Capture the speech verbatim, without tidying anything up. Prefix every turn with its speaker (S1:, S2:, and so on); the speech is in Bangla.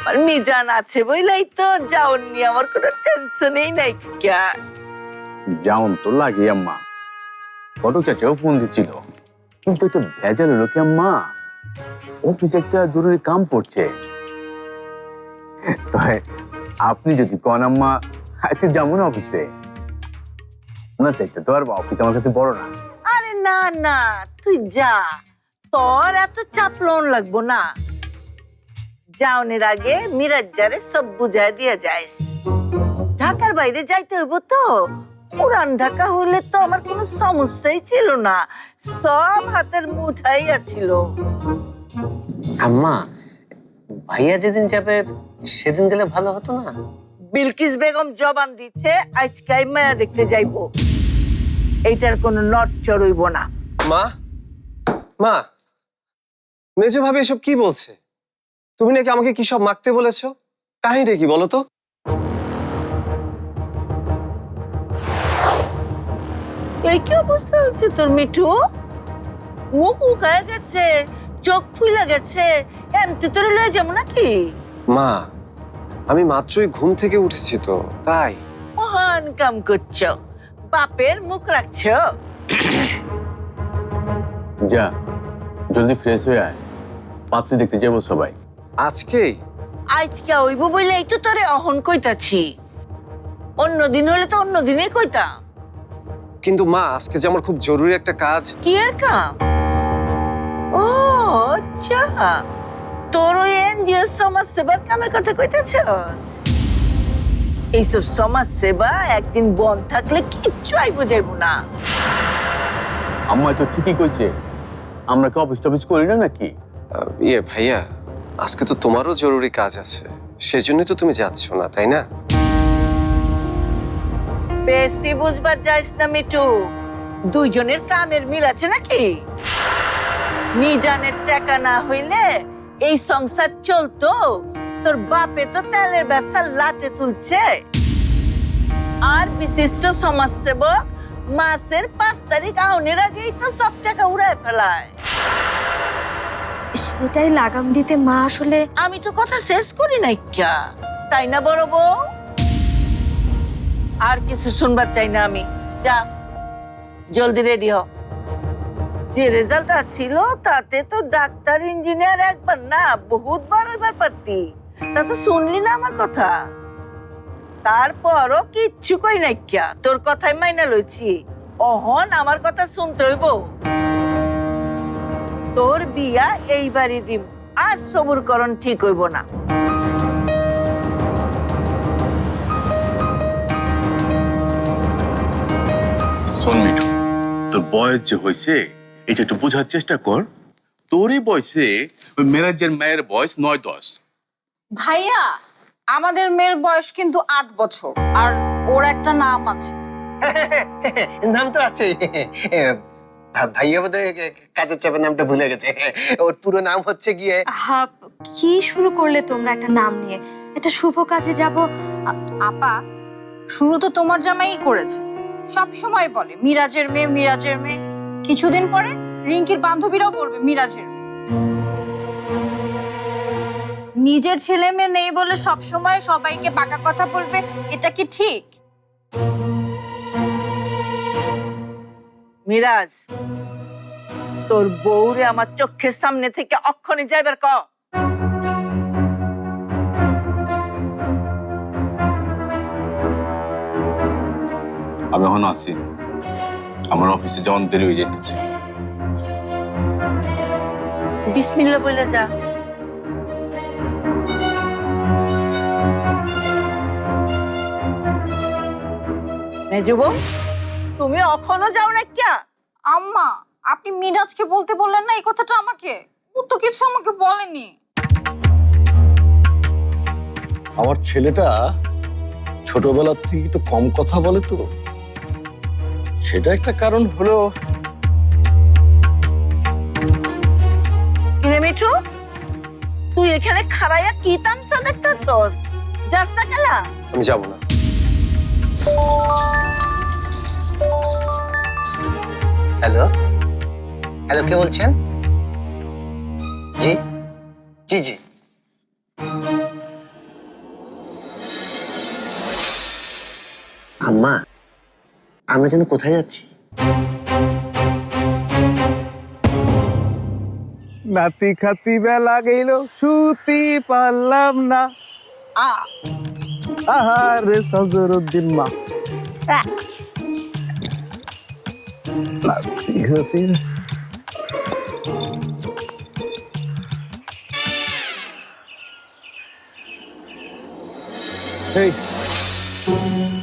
S1: আমার মিজান আছে বইলাই তো যাওন নিয়ে আমার কোনো টেনশনই নাই। ক্যা
S2: যাওন তো লাগে আম্মা, ঘটক চাচাও ফোন দিচ্ছিল, কিন্তু একটু ভেজাল হলো কি আম্মা, অফিসে একটা জরুরি কাম পড়ছে। আপনি যদি কন আম্মা আজকে যাবো না অফিসে, না চাইতে তো আর অফিস আমার কাছে বড় না।
S1: আরে না না, তুই যা, তোর এত চাপ লোন লাগবো না। যাওনের আগে মিরাজ্জারে সব বুঝাই দিয়ে যায়। ঢাকার বাইরে যাইতে হইব তো, পুরান ঢাকা হইলে তো আমার কোনো সমস্যাই ছিল না, সব হাতের মুঠাই ছিল।
S3: আম্মা, ভাইয়া যেদিন যাবে সেদিন গেলে ভালো হতো না?
S1: বিলকিস বেগম জবান দিচ্ছে আজকাই মায়া দেখতে যাইবো, এইটার কোনো নড়চড় হইব না।
S4: মা, মা, মেজো ভাবি এসব কি বলছে? তুমি নাকি আমাকে কি সব মাখতে বলেছো? কাহিনীটা কি বলো তো?
S1: এই কি অবস্থা হচ্ছে তোর মিঠু? মুখ উকায় গেছে, চোখ ফুলে গেছে, এমনি তোরে লয়ে যাবো নাকি?
S4: মা, আমি মাত্রই ঘুম থেকে উঠেছি তো, তাই।
S1: মহান কাম করছো, বাপের মুখ রাখছো।
S2: যা জলদি ফ্রেশ হয়ে আয়, পাত্রী দেখতে যাবো সবাই।
S4: আজকেই?
S1: আজকে হইব বলে এই তো তোরে অহন কইতাছি, অন্যদিন হলে তো অন্যদিনই কইতাম।
S4: কিন্তু মা, আজকে যে আমার খুব জরুরি একটা কাজ।
S1: কি এর কাম? ও আচ্ছা, তোর ওই এনজিও সমাজ সেবার কামের কথা কইতেছ? এইসব সমাজ সেবা একদিন বন্ধ থাকলে কিচ্ছু আইব যাইব না।
S2: আম্মা তো ঠিকই কইছে, আমরা কি অফিস টফিস করি না নাকি?
S4: আহ, ইয়ে ভাইয়া, আজকে তো তোমারও জরুরি কাজ আছে, সেজন্যই তো তুমি যাচ্ছ না, তাই না?
S1: বেশি বুঝবার যাইস না মিঠু, দুইজনের কামের মিল আছে নাকি? মিজানের টাকা না হইলে এই সংসার চলতো? তোর বাপে তো তেলের ব্যবসা লাটে তুলছে, আর বিশিষ্ট সমাজসেবক মাসের পাঁচ তারিখ আউনের আগেই তো সব টাকা উড়ায় ফেলায়।
S5: সেটাই লাগাম দিতে মা আসলে।
S1: আমি তো কথা শেষ করি নাই ক্যা, তাই না বড় বউ? আর কিছু শুনবার চাই না আমি। যা জলদি রেডি হ। যে রেজাল্টটা ছিল তাতে তো ডাক্তার ইঞ্জিনিয়ার একবার না বহুতবার হইবার পারতি, তা তো শুনলি না আমার কথা। তারপরও কিচ্ছু কই নাই ক্যা, তোর কথাই মাইনা লইছি। অহন আমার কথা শুনতে হইব। তোর বিয়া এইবারই দিব, আর সবুর করণ ঠিক হইব না।
S2: শোন মিঠু, তোর বয়স যে হয়েছে এটা একটু বোঝার চেষ্টা কর। তোরই বয়সে ওই মেরাজের মায়ের বয়স নয় দশ।
S6: ভাইয়া, আমাদের মেয়ের বয়স কিন্তু আট বছর, আর ওর একটা নাম আছে।
S3: নাম তো আছে, ভাইয়া বোধহয় কাজের চাপের নামটা ভুলে গেছে। ওর পুরো নাম হচ্ছে গিয়ে।
S5: হা, কি শুরু করলে তোমরা একটা নাম নিয়ে? একটা শুভ কাজে যাব।
S6: আপা, শুরু তো তোমার জামাই করেছে, সব সময় বলে মিরাজের মেয়ে মিরাজের মেয়ে। কিছুদিন পরে রিঙ্কির বান্ধবীরাও বলবে মিরাজের মেয়ে। নিজের ছেলে মেয়ে নেই বলে সব সময় সবাইকে বাঁকা কথা বলবে, এটা কি ঠিক?
S1: মিরাজ, তোর বউরে আমার চোখের সামনে থেকে অক্ষণে যাইবার ক।
S2: আমি এখন আছি, আমার অফিসে যাওয়ার দেরি হয়ে যেতেছে।
S1: বিসমিল্লাহ বলে যা। মেজুবু, তুমি এখনো যাও না ক্যা?
S6: আম্মা, আপনি মিরাজকে বলতে বললেন না এই কথাটা আমাকে? ও তো কিছু আমাকে বলেনি।
S7: আমার ছেলেটা ছোটবেলার থেকে একটু কম কথা বলে তো, সেটা একটা কারণ হলো।
S1: কিরে মিঠু, তুই এখানে খাড়াইয়া কি তামসা দেখতেছস? যাস না খেলা?
S4: আমি যাব না।
S3: হ্যালো হ্যালো, কে বলছেন? জি জি জি আম্মা আমরা যেন কোথায় যাচ্ছি?
S8: নাতি খাতি বেলা গেল শুতি পারলাম না। আ- আহারে সজরুদ্দিন মা, নাতি খাতি এই